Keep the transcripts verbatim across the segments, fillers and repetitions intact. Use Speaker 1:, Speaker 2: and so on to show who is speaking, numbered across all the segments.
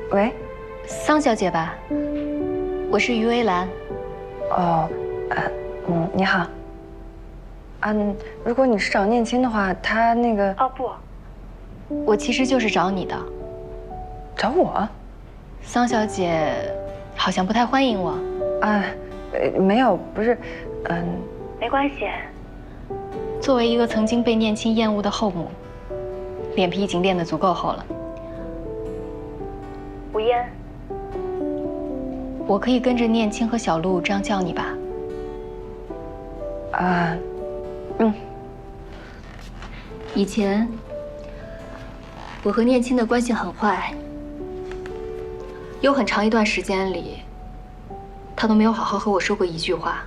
Speaker 1: 喂，
Speaker 2: 桑小姐吧？我是于薇兰。
Speaker 1: 哦，呃，嗯，你好。嗯，如果你是找念青的话，他那个……
Speaker 2: 哦不，我其实就是找你的。
Speaker 1: 找我？
Speaker 2: 桑小姐好像不太欢迎我。
Speaker 1: 啊，呃，没有，不是，嗯，
Speaker 2: 没关系。作为一个曾经被念青厌恶的后母，脸皮已经练得足够厚了。吴嫣，我可以跟着念青和小璐这样叫你吧？
Speaker 1: 啊，嗯。
Speaker 2: 以前我和念青的关系很坏，有很长一段时间里，他都没有好好和我说过一句话。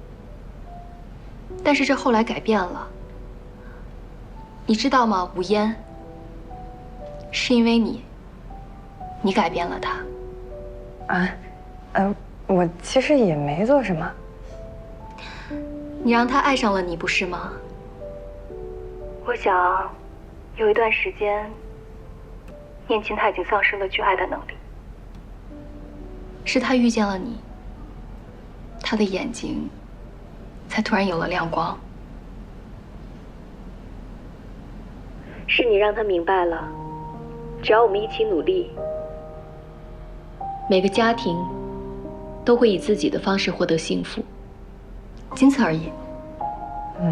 Speaker 2: 但是这后来改变了，你知道吗，吴嫣？是因为你，你改变了他。
Speaker 1: 啊，呃，我其实也没做什么。
Speaker 2: 你让他爱上了你，不是吗？我想，有一段时间，念青他已经丧失了去爱的能力。是他遇见了你，他的眼睛才突然有了亮光。是你让他明白了，只要我们一起努力，每个家庭都会以自己的方式获得幸福，仅此而已。
Speaker 1: 嗯，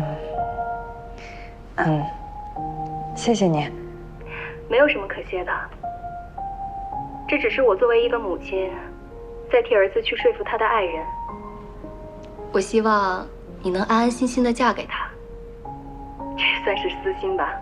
Speaker 1: 嗯，谢谢你。
Speaker 2: 没有什么可谢的，这只是我作为一个母亲，在替儿子去说服他的爱人。我希望你能安安心心的嫁给他，这算是私心吧。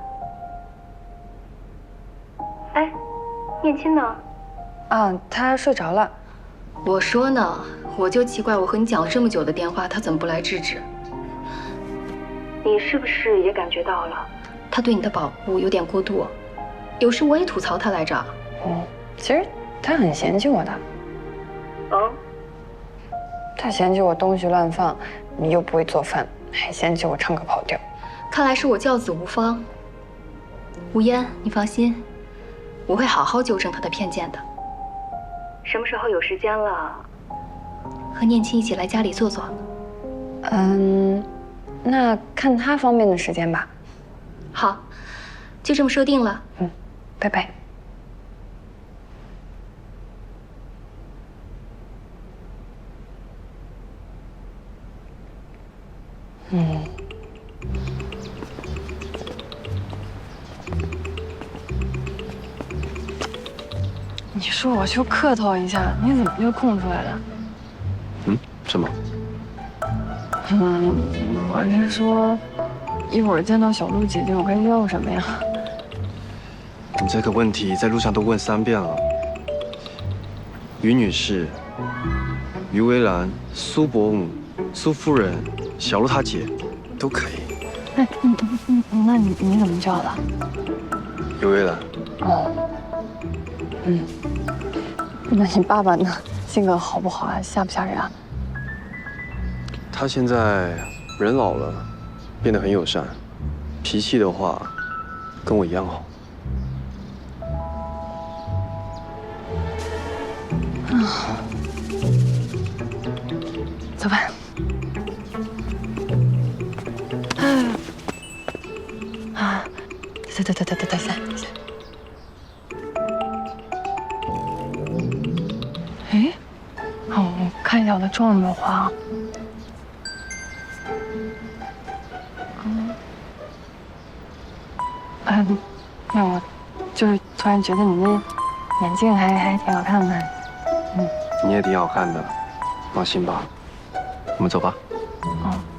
Speaker 2: 哎，念青呢？
Speaker 1: 啊，他睡着了。
Speaker 2: 我说呢，我就奇怪，我和你讲了这么久的电话，他怎么不来制止？你是不是也感觉到了，他对你的保护有点过度？有时我也吐槽他来着。
Speaker 1: 嗯，其实他很嫌弃我的。
Speaker 2: 哦，
Speaker 1: 他嫌弃我东西乱放，你又不会做饭，还嫌弃我唱歌跑调。
Speaker 2: 看来是我教子无方。吴嫣，你放心，我会好好纠正他的偏见的。什么时候有时间了，和念青一起来家里坐坐？
Speaker 1: 嗯，那看他方便的时间吧。
Speaker 2: 好，就这么说定了。
Speaker 1: 嗯，拜拜。嗯。你说我就客套一下，你怎么就空出来了？
Speaker 3: 嗯，什么？
Speaker 1: 嗯，我是说，一会儿见到小璐姐姐，我该要什么呀？
Speaker 3: 你这个问题在路上都问三遍了。于女士、于薇兰、苏伯母、苏夫人、小璐她姐，都可以。
Speaker 1: 那嗯嗯嗯，那你你怎么叫的？
Speaker 3: 于薇兰。
Speaker 1: 哦。嗯。那你爸爸呢？性格好不好啊？吓不吓人啊？
Speaker 3: 他现在人老了，变得很友善，脾气的话，跟我一样好。
Speaker 1: 啊，走吧。啊，等等等等等等下，等下。哎，哦，我看一下我的妆有没有花。嗯，嗯，那我就是突然觉得你那眼镜还还挺好看的。嗯，
Speaker 3: 你也挺好看的，放心吧，我们走吧。
Speaker 1: 嗯。